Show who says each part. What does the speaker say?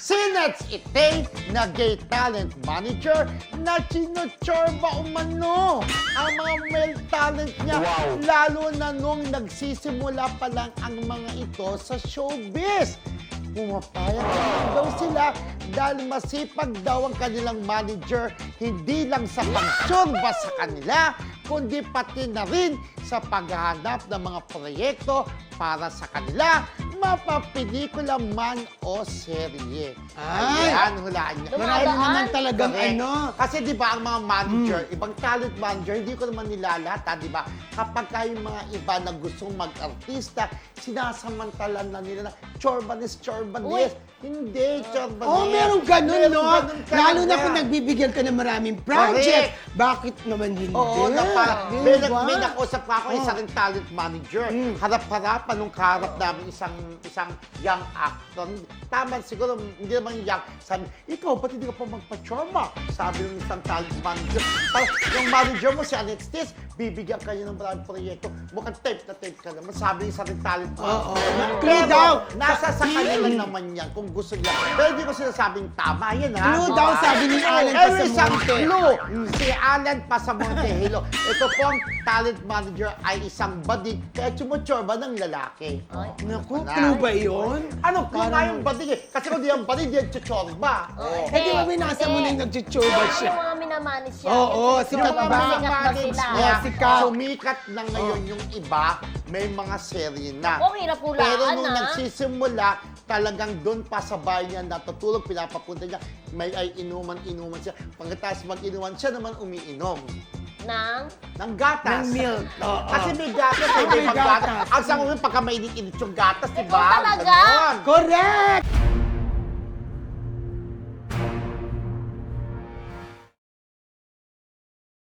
Speaker 1: Sinets Itay na gay talent manager na sinuchorba umano ang mga male talent niya.
Speaker 2: Wow.
Speaker 1: Lalo na nung nagsisimula pa lang ang mga ito sa showbiz. Pumapayag naman daw sila dahil masipag daw ang kanilang manager hindi lang sa pagtsurba sa kanila, kundi pati na rin sa paghahanap ng mga proyekto para sa kanila, mapapelikula man o serye.
Speaker 3: Ay!
Speaker 1: Ayan, hulaan niya.
Speaker 3: Marami naman talagang
Speaker 1: Correct.
Speaker 3: ano.
Speaker 1: Kasi di ba ang mga manager, ibang talent manager, hindi ko naman nilalata, di ba? Kapag yung mga iba na gustong mag-artista, sinasamantalan na nila na chorbanes.
Speaker 4: Uy.
Speaker 1: Hindi, chorbanes.
Speaker 3: Oh, meron ganun, no?
Speaker 1: ganun
Speaker 3: Lalo na
Speaker 1: talaga.
Speaker 3: kung nagbibigyan ka ng maraming project.
Speaker 1: Correct.
Speaker 3: Bakit naman hindi?
Speaker 1: Oo, na parang,
Speaker 3: Di
Speaker 1: may,
Speaker 3: ba?
Speaker 1: may nakausap pa ako,
Speaker 3: Oh.
Speaker 1: isa rin talent manager. Harap-harapan nung kaharap namin isang young actor. Tama, siguro, hindi naman young. Sabi, ikaw, ba't hindi ka pa magpa-chorba? Sabi ng isang talent manager. Parang, yung manager mo, si Alexis, bibigyan kayo ng maraming proyekto. Mukhang tape na tape ka naman. Sabi ng isang talent
Speaker 3: Oo.
Speaker 1: manager.
Speaker 3: Clue daw.
Speaker 1: Nasa sa kanila naman yan, kung gusto niya. Pero hindi ko sinasabing tama yan, ha?
Speaker 3: Clue daw, sabi ni Alan
Speaker 1: Isang
Speaker 3: Pasamonte.
Speaker 1: clue. Si Alan Pasamonte, hello. Ito pong talent manager ay isang bading kaya sumuchorba ng lalaki.
Speaker 4: Ay.
Speaker 3: Naku,
Speaker 1: Wala.
Speaker 3: clue ba yun?
Speaker 1: Ano, clue nga
Speaker 3: Parang-
Speaker 1: yung bading eh. Kasi kung di ang bading, di ang chuchorba.
Speaker 4: Oh,
Speaker 3: Eh, di ba binasa mo na yung nagchuchurba siya?
Speaker 4: Yung mga minamanis siya.
Speaker 3: Oo,
Speaker 4: Yung
Speaker 3: sikat
Speaker 4: mga
Speaker 3: ba?
Speaker 4: sikat daw
Speaker 1: managers
Speaker 4: sila.
Speaker 1: niya,
Speaker 3: sikat.
Speaker 1: sumikat na ngayon yung iba, may mga serye na.
Speaker 4: Ako, hirap hulaan,
Speaker 1: Pero nung
Speaker 4: ah.
Speaker 1: nagsisimula, talagang doon pa sa bahay niya natutulog, pinapapunta niya, may ay inuman siya. Pagkatapos mag-inuman, siya naman umiinom.
Speaker 4: Nang?
Speaker 1: Ng gatas.
Speaker 3: Ng milk. Oo.
Speaker 1: Kasi may gatas,
Speaker 3: Oo,
Speaker 1: may
Speaker 3: may
Speaker 1: gatas.
Speaker 3: gatas.
Speaker 1: Ang sa ulo, pagka mainit-init yung gatas, di
Speaker 4: Ikaw
Speaker 1: ba?
Speaker 4: talaga?
Speaker 1: Ganon.
Speaker 3: Correct!